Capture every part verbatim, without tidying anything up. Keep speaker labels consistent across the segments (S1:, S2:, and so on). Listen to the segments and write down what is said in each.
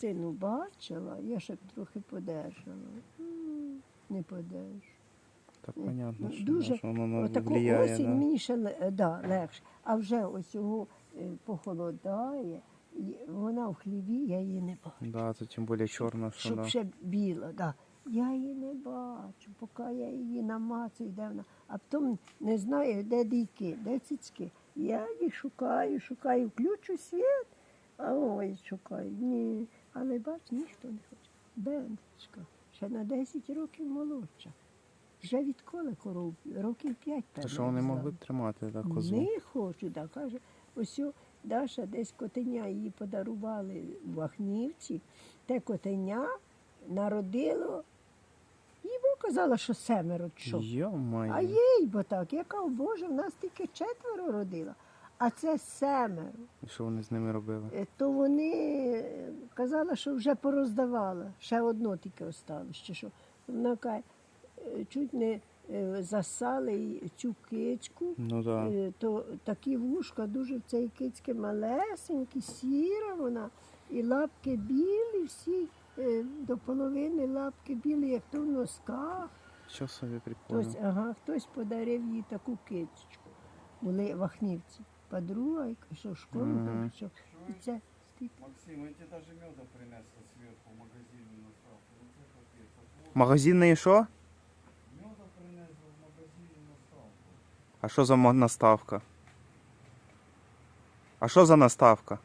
S1: хрестину бачила, я ще б трохи подержала. М, Не подержу.
S2: Так
S1: Ні.
S2: понятно,
S1: Ну,
S2: що,
S1: дуже,
S2: що воно
S1: Отаку
S2: впливає.
S1: осінь
S2: Да.
S1: мені ще ле- да, легше. А вже ось його е, похолодає, і вона в хліві, я її не бачу.
S2: Да, це тим більше чорно, що
S1: Щоб
S2: да.
S1: ще біла, да. Я її не бачу, поки я її намацую, де вона. А потім не знаю, де дійки, де цицьки. Я їх шукаю, шукаю, включу світ, а ой, шукаю. Ні. Але бач, ніхто не хоче. Бендочка, ще на десять років молодша. Вже відколи коров? Років п'ять.
S2: То що вони могли б тримати так, козу?
S1: Не хочу, так, каже, ось о, Даша десь котеня їй подарували в Вахнівці. Те котеня народило, їй бо казала, що семеро чи що. А
S2: Йо-моє.
S1: їй бо так, я кажу, Боже, в нас тільки четверо родила, а це семеро.
S2: І що вони з ними робили?
S1: Е, То вони е, казала, що вже пороздавала, ще одно тільки осталось, чи що. Вона каже, е, чуть не е, засали й цю кичку.
S2: Ну так. Да.
S1: Е, То такі вушка дуже в цій кицьки малесенькі, сіра вона, і лапки білі, всі е, до половини лапки білі, як то в носках.
S2: Що собі прикольно.
S1: Хтось, ага, хтось подарив їй таку кицечку. Були вахнівці. Подруга, і що в школу,
S2: Мгм.
S1: що і це стільки.
S3: Максим, я тебе даже меда принесла сверху в магазине на ставку. Ну це капець. От вот
S2: Магазинний що?
S3: меда принесла в магазине на ставку.
S2: А що за мо- наставка? А що за наставка?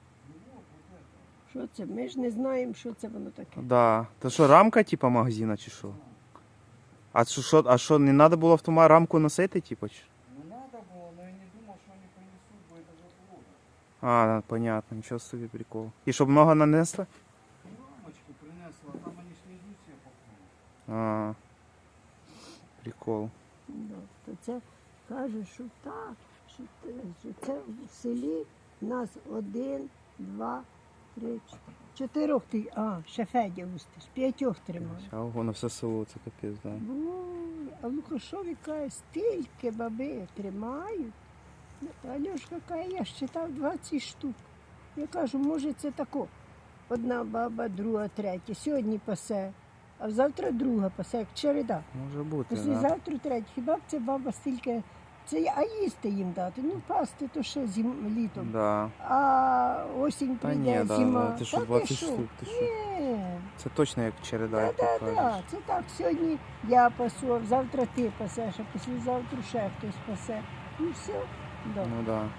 S1: Що це? Ми ж не знаємо, що це воно таке.
S2: Да. Це що, рамка типа магазина чи що? А що, що, а що, не треба було в ту ма- рамку носити, типа? чи?
S3: Ну надо было, но я не думал, что они принесут, бо это же плохо.
S2: А, понятно, нічого собі прикол. І щоб много нанесли?
S3: Рамочку принесла, а там они ж не идут себе по
S2: А, прикол.
S1: Да, то це каже, що так, що, те- що це в селі в нас один, два, три, чотири. Чотирьох ти, а, ще Федя Устиш, п'ятьох тримає.
S2: А воно все село, це капець, да.
S1: Ой, а в Лукашові каже, стільки баби тримають. Альошка каже, я считав двадцять штук. Я кажу, може це тако. Одна баба, друга, третя. Сьогодні пасе, а завтра друга пасе, як череда.
S2: Може бути, да.
S1: Післязавтра третя. Хіба б це баба стільки, це я- а їсти їм дати? Ну, пасти то ще зим, літом.
S2: Да.
S1: А осінь
S2: Та
S1: прийде,
S2: ні, да,
S1: зима.
S2: да, ти що,
S1: Та
S2: двадцять штук, ти що?
S1: Ні.
S2: Це точно як череда, як ти
S1: Так, так,
S2: кажеш.
S1: це так. Сьогодні я пасу, а завтра ти пасеш, а післязавтра ще хтось пасе. І все. Да.
S2: Ну да.